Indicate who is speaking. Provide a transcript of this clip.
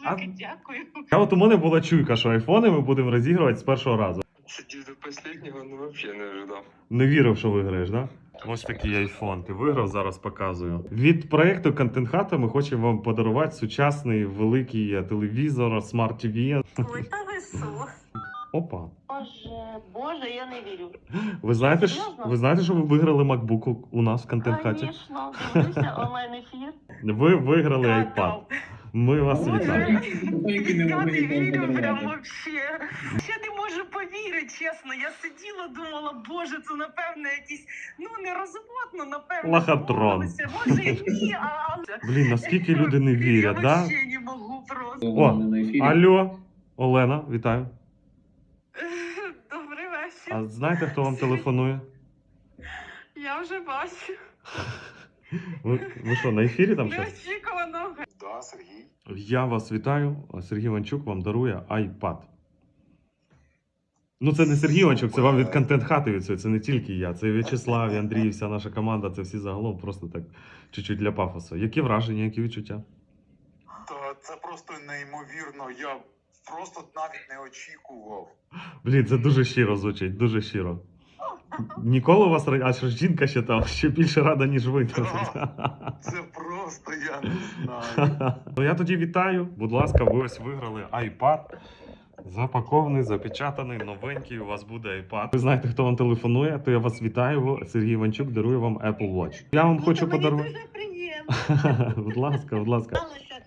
Speaker 1: Велике дякую.
Speaker 2: А от у мене була чуйка, що айфони ми будемо розігрувати з першого разу.
Speaker 3: Сидів до останнього, ну взагалі не ожидав.
Speaker 2: Не вірив, що виграєш, да? Ось такий айфон. Ти виграв, зараз показую. Від проєкту Content Hut ми хочемо вам подарувати сучасний великий телевізор, Smart TV.
Speaker 1: Ой, та ви що?
Speaker 2: Опа.
Speaker 1: Боже, я не вірю.
Speaker 2: Ви знаєте,
Speaker 1: Серйозно?
Speaker 2: ви знаєте, що ви виграли MacBook у нас в Content Hut?
Speaker 1: Звісно, дивлюся онлайн-ефір.
Speaker 2: Ви виграли iPad. Ми вас вітаємо.
Speaker 1: Я не вірю прям вообще. Я не можу повірити, чесно. Я сиділа, думала, боже, це напевно якийсь, ну не розводно, напевно.
Speaker 2: Лохотрон.
Speaker 1: домовилися. Може і ні, а...
Speaker 2: Блін, наскільки люди не вірять,
Speaker 1: Я
Speaker 2: да?
Speaker 1: вообще не можу просто.
Speaker 2: О, алло, Олена, вітаю.
Speaker 1: Добрий вечір.
Speaker 2: А знаєте, хто вам телефонує?
Speaker 1: Я вже бачу.
Speaker 2: Ви що, на ефірі там щось?
Speaker 1: Неочікувано.
Speaker 3: Да, Сергій.
Speaker 2: Я вас вітаю. Сергій Іванчук вам дарує iPad. Ну, це не Сергій Іванчук, це вам від Content Hut від цього. Це не тільки я. Це і В'ячеслав, і Андрій, і вся наша команда. Це всі загалом просто так чуть-чуть для пафосу. Які враження, які відчуття?
Speaker 4: Та це просто неймовірно. Я просто навіть не очікував.
Speaker 2: Блін, це дуже щиро звучить, дуже щиро. Ніколи у вас а що ж жінка ще там ще більше рада, ніж ви.
Speaker 4: Це просто я не знаю.
Speaker 2: Ну я тоді вітаю. Будь ласка, ви ось виграли iPad. Запакований, запечатаний, новенький. У вас буде iPad. Ви знаєте, хто вам телефонує, то я вас вітаю. Сергій Іванчук дарує вам Apple Watch. Я вам хочу подарувати.
Speaker 1: Дуже приємно.
Speaker 2: Будь ласка, будь ласка.
Speaker 1: Знала, що